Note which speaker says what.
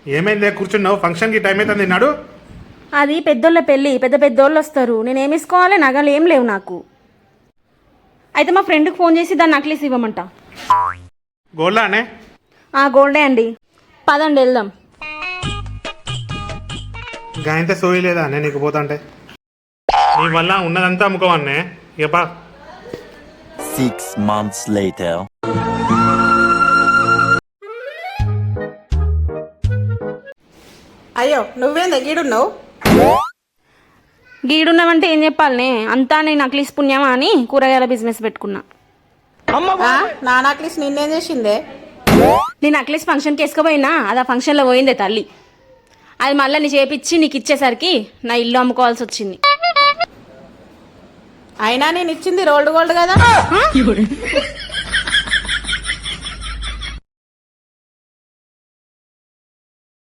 Speaker 1: ఏమైందే కూర్చున్నావు? ఫంక్షన్కి టైం అవుతుంది నాడు.
Speaker 2: అది పెద్దోళ్ళ పెళ్ళి, పెద్ద పెద్దోళ్ళు వస్తారు. నేనేమి వేసుకోవాలి? నగలు ఏం లేవు నాకు. అయితే మా ఫ్రెండ్కి ఫోన్ చేసి దాన్ని నక్లీస్ ఇవ్వమంట.
Speaker 1: గోల్డా అనే?
Speaker 2: గోల్డే అండి. పదండి వెళ్దాం.
Speaker 1: గాయంతే సోయి లేదా అనే నీకు పోతాంటే? నీ వల్ల ఉన్నదంతా అమ్ముకోవన్నే ఇక బా.
Speaker 3: 6 months later.
Speaker 4: అయ్యో నువ్వేం దగ్గరున్నావు?
Speaker 2: గీడున్నావంటే ఏం చెప్పాలనే? అంతా నేను నక్లీస్ పుణ్యమా అని కూరగాయల బిజినెస్ పెట్టుకున్నా.
Speaker 4: నా నక్లీస్ నిన్నేం చేసిందే?
Speaker 2: నేను నక్లీస్ ఫంక్షన్కి వేసుకుపోయినా, అది ఆ ఫంక్షన్లో పోయిందే తల్లి. అది మళ్ళీ నీ చేపిచ్చి నీకు ఇచ్చేసరికి నా ఇల్లు అమ్ముకోవాల్సి వచ్చింది.
Speaker 4: అయినా నేను ఇచ్చింది రోల్డ్ గోల్డ్ కదా.